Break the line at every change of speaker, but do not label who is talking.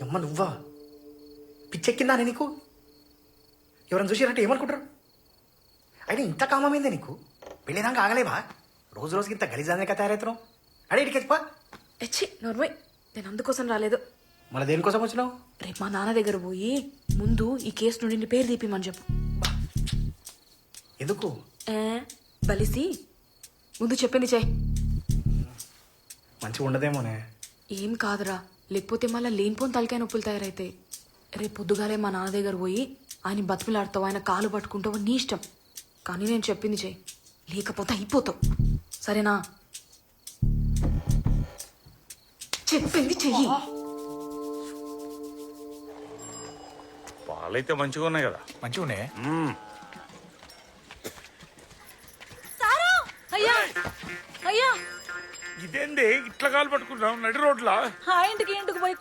అమ్మ నువ్వా? పిచ్చెక్కిందా అని నీకు? ఎవరైనా చూసిరంటే ఏమనుకుంటారు? అయినా ఇంత కామమైందే నీకు? పెళ్ళిదాకా ఆగలేవా? రోజు రోజుకి ఇంత గలీజానిక తయారవుతున్నావు. అడే ఇడికి చెప్పా.
ఎచ్చి నోర్మయ్, నేను అందుకోసం రాలేదు.
మళ్ళీ దేనికోసం వచ్చినావు?
రేపు మా నాన్న దగ్గర పోయి ముందు ఈ కేసు నుండి నీ పేరు తీపిమని చెప్పు.
ఎందుకు?
ఏ బలిసి ముందు చెప్పింది చెయ్యి.
మంచిగా ఉండదేమోనే.
ఏం కాదురా, లేకపోతే మళ్ళీ లేనిపోని తలకాయ నొప్పులు తయారైతాయి. రేపు పొద్దుగాలే మా నాన్న దగ్గర పోయి ఆయన బతిమిలాడతావు, ఆయన కాలు పట్టుకుంటావు, నీ ఇష్టం. కానీ నేను చెప్పింది చెయ్యి, లేకపోతే అయిపోతావు. సరేనా? చెప్పింది చెయ్యి.
పాలైతే మంచిగా ఉన్నాయి కదా.
మంచిగానే.
అయ్యా అయ్యా,
ఇదేంది ఇట్లా కాలు పట్టుకున్నావు నడి రోడ్లా?
ఆ ఇంటికి పోయి